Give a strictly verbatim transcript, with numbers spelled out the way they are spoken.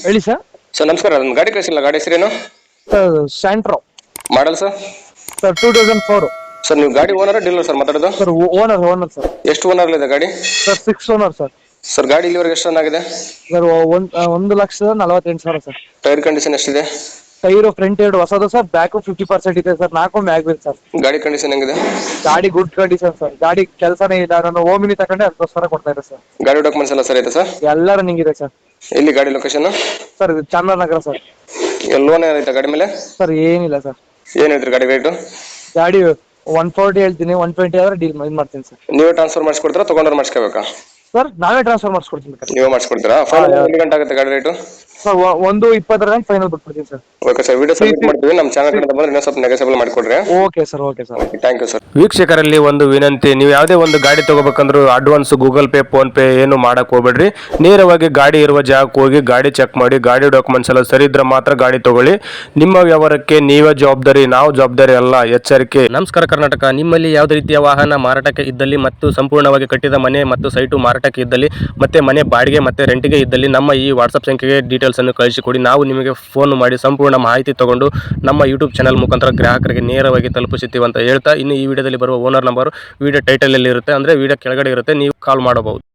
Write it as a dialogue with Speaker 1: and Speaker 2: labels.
Speaker 1: ಹೇಳಿ sir.
Speaker 2: Sir ನಮಸ್ಕಾರ, ನನ್ನ ಗಾಡಿ ಕಳಿಸಿಲ್ಲ, ಗಾಡಿ ಹೆಸರೇನು?
Speaker 1: Sir Santro
Speaker 2: model sir?
Speaker 1: Sir two thousand four.
Speaker 2: Sir ನೀವು ಗಾಡಿ ಓನರ್ ಡೀಲರ್ ಸರ್ ಮಾತಾಡೋದು?
Speaker 1: Sir owner owner sir.
Speaker 2: ಎಷ್ಟು ಓನರ್ ಇದೆ ಗಾಡಿ?
Speaker 1: Sir six owner sir.
Speaker 2: Sir ಗಾಡಿ ಇಲ್ಲಿವರೆಗೆ ಎಷ್ಟು ರನ್ ಆಗಿದೆ?
Speaker 1: ಸರ್ ಒಂದ್ ಒಂದು ಲಕ್ಷದ ನಲವತ್ತೆಂಟು ಸಾವಿರ ಸರ್.
Speaker 2: ಟೈರ್ ಕಂಡೀಷನ್ ಎಷ್ಟಿದೆ?
Speaker 1: ಟೈರು ಫ್ರಂಟ್ ಎರಡು ಹೊಸದು ಸರ್, ಬ್ಯಾಕು ಫಿಫ್ಟಿ ಪರ್ಸೆಂಟ್ ಇದೆ ಸರ್, ನಾಲ್ಕು ಮ್ಯಾಗ್ ಇದೆ ಸರ್.
Speaker 2: ಗಾಡಿ ಕಂಡೀಷನ್ ಹೆಂಗಿದೆ?
Speaker 1: ಗಾಡಿ ಗುಡ್ ಕಂಡೀಷನ್ ಸರ್. ಗಾಡಿ ಕೆಲಸನೇ ಇಲ್ಲ, ನಾನು ಓಮಿನಿ ತಗೊಂಡೆ ಅದಕ್ಕೋಸ್ಕರ ಕೊಡ್ತಾ ಇದ್ದೆ ಸರ್.
Speaker 2: ಗಾಡಿ ಡಾಕ್ಯುಮೆಂಟ್ಸ್ ಎಲ್ಲ ಸರಿ ಇದೆ ಸರ್?
Speaker 1: ಎಲ್ಲ ರನ್ನಿಂಗ್ ಇದೆ ಸರ್.
Speaker 2: ಎಲ್ಲಿ ಗಾಡಿ ಲೊಕೇಶನ್?
Speaker 1: ಸರ್ ಇದು ಚಾಮರಾಜನಗರ ಸರ್.
Speaker 2: ಲೋನ್ ಏನಾಯ್ತಾ ಗಾಡಿ ಮೇಲೆ?
Speaker 1: ಸರ್ ಏನಿಲ್ಲ ಸರ್.
Speaker 2: ಏನು ಹೇಳ್ತೀರಿ ಗಾಡಿ ರೇಟು?
Speaker 1: ಗಾಡಿ ಒನ್ ಫೋರ್ಟಿ ಹೇಳ್ತೀನಿ, ಒನ್ ಟ್ವೆಂಟಿ ಆದ್ರೆ ಡೀಲ್ ಇದು ಮಾಡ್ತೀನಿ ಸರ್.
Speaker 2: ನೀವೇ ಟ್ರಾನ್ಸ್ಫರ್ ಮಾಡಿಸ್ಕೊಡ್ತೀರಾ, ತೊಗೊಂಡ್ರೆ ಮಾಡಿಸ್ಕೋಬೇಕಾ?
Speaker 1: ಸರ್ ನಾವೇ ಟ್ರಾನ್ಸ್ಫರ್ ಮಾಡಿಸ್ಕೊಡ್ತೀನಿ ಸರ್.
Speaker 2: ನೀವೇ ಮಾಡಿಸ್ಕೊಡ್ತೀರಾ? ಫೈನಲ್ ಒಂದು ಗಂಟೆ ಆಗುತ್ತೆ ಗಾಡಿ ರೇಟು?
Speaker 1: ಸರ್ ಒಂದು ಇಪ್ಪತ್ತರ ಗಂಟೆ ಫೈನಲ್ ಬಿಟ್ಬಿಡ್ತೀನಿ sir.
Speaker 2: Okay sir, video submit ಮಾಡ್ತೀವಿ. ನಮ್ಮ ಚಾನಲ್ ಕಡೆ ಬಂದ್ರೆ ಇನ್ನೂ ಸ್ವಲ್ಪ ನೆಗೆಸಬಲ್ ಮಾಡಿಕೊಡ್ರಿ.
Speaker 1: Okay sir, okay sir,
Speaker 2: thank you sir.
Speaker 3: ವೀಕ್ಷಕರಲ್ಲಿ ಒಂದು ವಿನಂತಿ, ನೀವು ಯಾವುದೇ ಒಂದು ಗಾಡಿ ತಗೋಬೇಕಂದ್ರೂ advance Google Pay PhonePe ಏನು ಮಾಡಕ್ ಹೋಗ್ಬೇಡ್ರಿ. ನೇರವಾಗಿ ಗಾಡಿ ಇರುವ ಜಾಗಕ್ಕೆ ಹೋಗಿ ಗಾಡಿ ಚೆಕ್ ಮಾಡಿ, ಗಾಡಿ ಡಾಕ್ಯುಮೆಂಟ್ಸ್ ಎಲ್ಲ ಸರಿ ಇದ್ರೆ ಮಾತ್ರ ಗಾಡಿ ತಗೊಳ್ಳಿ. ನಿಮ್ಮ ವ್ಯವಹಾರಕ್ಕೆ ನೀವೇ ಜವಾಬ್ದಾರಿ, ನಾವು ಜವಾಬ್ದಾರಿ ಅಲ್ಲ, ಎಚ್ಚರಿಕೆ. ನಮಸ್ಕಾರ ಕರ್ನಾಟಕ. ನಿಮ್ಮಲ್ಲಿ ಯಾವುದೇ ರೀತಿಯ ವಾಹನ ಮಾರಾಟಕ್ಕೆ ಇದ್ದಲ್ಲಿ ಮತ್ತು ಸಂಪೂರ್ಣವಾಗಿ ಕಟ್ಟಿದ ಮನೆ ಮತ್ತು ಸೈಟು ಮಾರಾಟಕ್ಕೆ ಇದ್ದಲ್ಲಿ ಮತ್ತೆ ಮನೆ ಬಾಡಿಗೆ ಮತ್ತೆ ರೆಂಟಿಗೆ ಇದ್ದಲ್ಲಿ ನಮ್ಮ ಈ ವಾಟ್ಸಪ್ ಸಂಖ್ಯೆಗೆ ಡೀಟೇಲ್ಸ್ ಅನ್ನು ಕಳಿಸಿಕೊಡಿ. ನಾವು ನಿಮಗೆ ಫೋನ್ ಮಾಡಿ ಸಂಪೂರ್ಣ ಮಾಹಿತಿ ತಗೊಂಡು ನಮ್ಮ ಯೂಟ್ಯೂಬ್ ಚಾನಲ್ ಮುಖಾಂತರ ಗ್ರಾಹಕರಿಗೆ ನೇರವಾಗಿ ತಲುಪಿಸುತ್ತೀವಿ ಅಂತ ಹೇಳ್ತಾ, ಇನ್ನು ಈ ವಿಡಿಯೋದಲ್ಲಿ ಬರುವ ಓನರ್ ನಂಬರ್ ವಿಡಿಯೋ ಟೈಟಲ್ ಅಲ್ಲಿ ಇರುತ್ತೆ, ಅಂದ್ರೆ ವಿಡಿಯೋ ಕೆಳಗಡೆ ಇರುತ್ತೆ, ನೀವು ಕಾಲ್ ಮಾಡಬಹುದು.